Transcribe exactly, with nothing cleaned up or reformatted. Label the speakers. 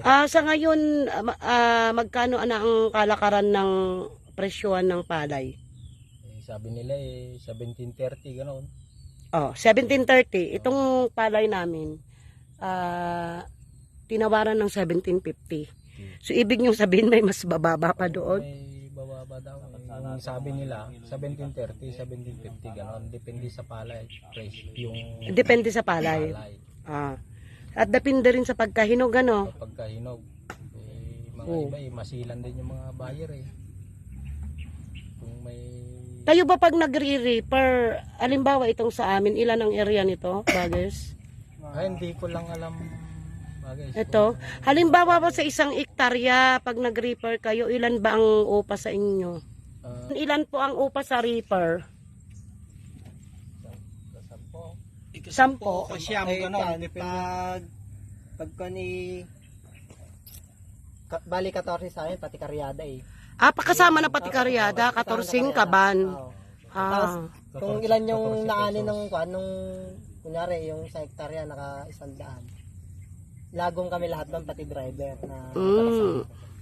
Speaker 1: Ah, sa ngayon, ah, ma- ah, magkano na ang kalakaran ng presyohan ng palay?
Speaker 2: Eh, sabi nila eh, seventeen thirty gano'n.
Speaker 1: Oh, seventeen thirty. Itong palay namin, ah, tinawaran ng seventeen fifty. So, ibig niyong sabihin may mas bababa pa doon?
Speaker 2: May bababa daw. Eh. Yung sabi nila, seventeen thirty, seventeen fifty gano'n. Depende sa palay. Price, yung
Speaker 1: Depende sa palay.
Speaker 2: palay.
Speaker 1: Ah. At depende rin sa pagkahinog, ano?
Speaker 2: Kapag kahinog, eh, mga
Speaker 1: Oo.
Speaker 2: iba eh, masilan din yung mga buyer eh. Kung may...
Speaker 1: Kayo ba pag nagre-reaper, alimbawa itong sa amin, ilan ang area nito, Baggers?
Speaker 2: Ay, hindi ko lang alam bagay.
Speaker 1: Ito, halimbawa po sa isang ektarya, pag nag-reaper kayo, ilan ba ang upa sa inyo?
Speaker 2: Uh,
Speaker 1: Ilan po ang upa sa reaper?
Speaker 2: Sampo.
Speaker 1: Sampo.
Speaker 3: Kasyam, gano'n. Pag, pag ko ni... Ka, bali katorse sa amin, pati karyada eh.
Speaker 1: Ah, pakasama na pati karyada, katorsing kaban.
Speaker 3: Oo.
Speaker 1: Ah,
Speaker 3: Kung ilan yung naani ng kwan, nung, kunyari, yung sa hektarya, naka isang daan. Lagong kami lahat doon, pati driver na
Speaker 1: mm.